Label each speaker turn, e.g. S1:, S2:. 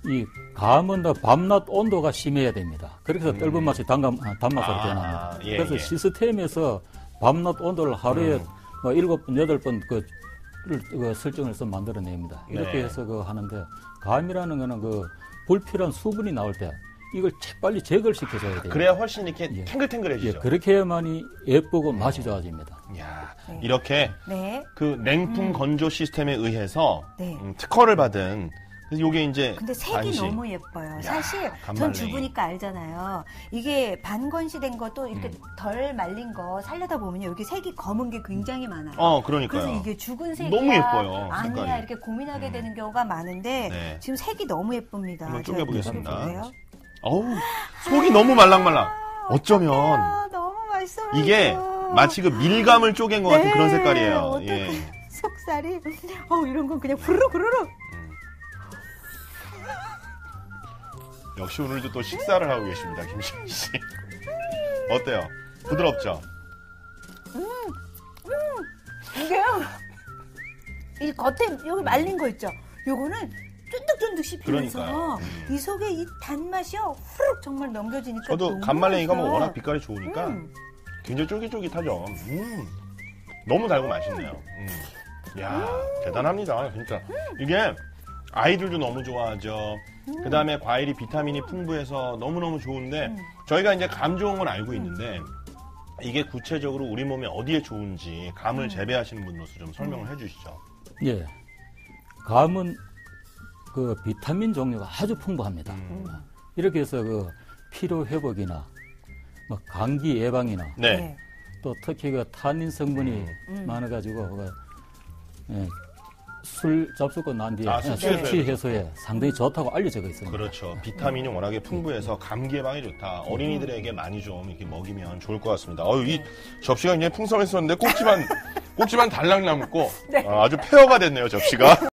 S1: 이 감은 밤낮 온도가 심해야 됩니다. 그래서 떫은 맛이 단맛으로 변합니다.
S2: 예,
S1: 그래서
S2: 예.
S1: 시스템에서 밤낮 온도를 하루에 7번, 8번 설정을 해서 만들어냅니다. 이렇게
S2: 네.
S1: 해서 하는데, 감이라는 거는 불필요한 수분이 나올 때 이걸 빨리 제거를 시켜줘야 돼요.
S2: 그래야 훨씬 이렇게
S1: 예.
S2: 탱글탱글해지죠.
S1: 예, 그렇게 해야만이 예쁘고 맛이 좋아집니다.
S2: 이야,
S3: 네.
S2: 이렇게
S3: 네.
S2: 그 냉풍 건조 시스템에 의해서
S3: 네.
S2: 특허를 받은 그래서 요게 이제
S3: 근데 색이
S2: 반시.
S3: 너무 예뻐요. 사실 전
S2: 간말랭이.
S3: 주부니까 알잖아요. 이게 반건시된 것도 이렇게 덜 말린 거 살려다 보면 여기 색이 검은 게 굉장히 많아요.
S2: 그러니까요.
S3: 그래서 이게 죽은 색이야
S2: 너무 예뻐요,
S3: 아니야
S2: 색깔이.
S3: 이렇게 고민하게 되는 경우가 많은데
S2: 네.
S3: 지금 색이 너무 예쁩니다.
S2: 한번
S3: 제가
S2: 쪼개보겠습니다.
S3: 쪼개볼게요.
S2: 어우, 속이 너무 말랑말랑. 어쩌면
S3: 아, 너무 맛있어.
S2: 이게 마치 그 밀감을 쪼갠 것 같은
S3: 네,
S2: 그런 색깔이에요.
S3: 어떡해.
S2: 예.
S3: 속살이 이런 건 그냥 후루룩
S2: 역시 오늘도 또 식사를 하고 계십니다, 김시현 씨. 어때요? 부드럽죠?
S3: 이게요. 이 겉에 여기 말린 거 있죠. 요거는 쫀득쫀득 씹히면서
S2: 그러니까요.
S3: 이 속에 이 단맛이요 후룩 정말 넘겨지니까
S2: 저도
S3: 너무
S2: 간말랭이가 뭐
S3: 맛있어요.
S2: 워낙 빛깔이 좋으니까 굉장히 쫄깃쫄깃하죠. 너무 달고 맛있네요. 이야, 대단합니다. 진짜. 이게 아이들도 너무 좋아하죠. 그 다음에 과일이 비타민이 풍부해서 너무너무 좋은데 저희가 이제 감 좋은 건 알고 있는데 이게 구체적으로 우리 몸에 어디에 좋은지 감을 재배하시는 분으로서 좀 설명을 해주시죠.
S1: 예. 감은 비타민 종류가 아주 풍부합니다. 이렇게 해서 피로 회복이나 감기 예방이나
S2: 네.
S1: 또 특히 타닌 성분이 많아가지고 술 잡수고 난 뒤에
S2: 술
S1: 숙취 해소에 상당히 좋다고 알려져 있습니다.
S2: 그렇죠. 비타민이 워낙에 풍부해서 감기 예방에 좋다. 어린이들에게 많이 좀 이렇게 먹이면 좋을 것 같습니다. 이 접시가 굉장히 풍성했었는데 꼭지만 달랑 남고 아주 폐허가 됐네요, 접시가.